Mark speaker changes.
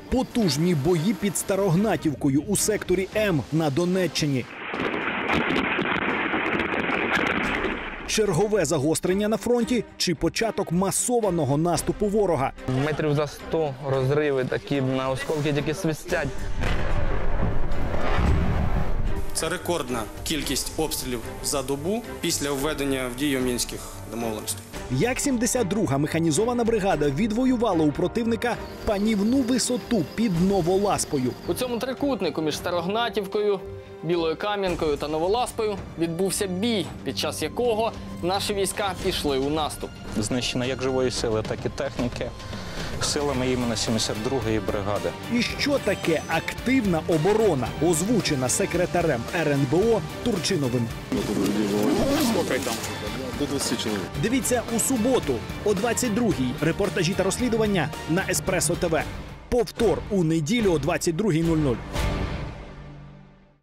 Speaker 1: Потужні бої під Старогнатівкою у секторі М на Донеччині. Чергове загострення на фронті чи початок масованого наступу ворога?
Speaker 2: Метрів за 100 розриви такі, на осколки тільки свистять.
Speaker 3: Це рекордна кількість обстрілів за добу після введення в дію Мінських домовленостей.
Speaker 1: Як 72-га механізована бригада відвоювала у противника панівну висоту під Новоласпою.
Speaker 4: У цьому трикутнику між Старогнатівкою, Білою Кам'янкою та Новоласпою відбувся бій, під час якого наші війська пішли у наступ.
Speaker 5: Знищено як живої сили, так і техніки силами іменно 72-ї бригади.
Speaker 1: І що таке активна оборона, озвучена секретарем РНБО Турчиновим? Дивіться у суботу о 22-й. Репортажі та розслідування на Еспресо ТВ. Повтор у неділю о 22:00.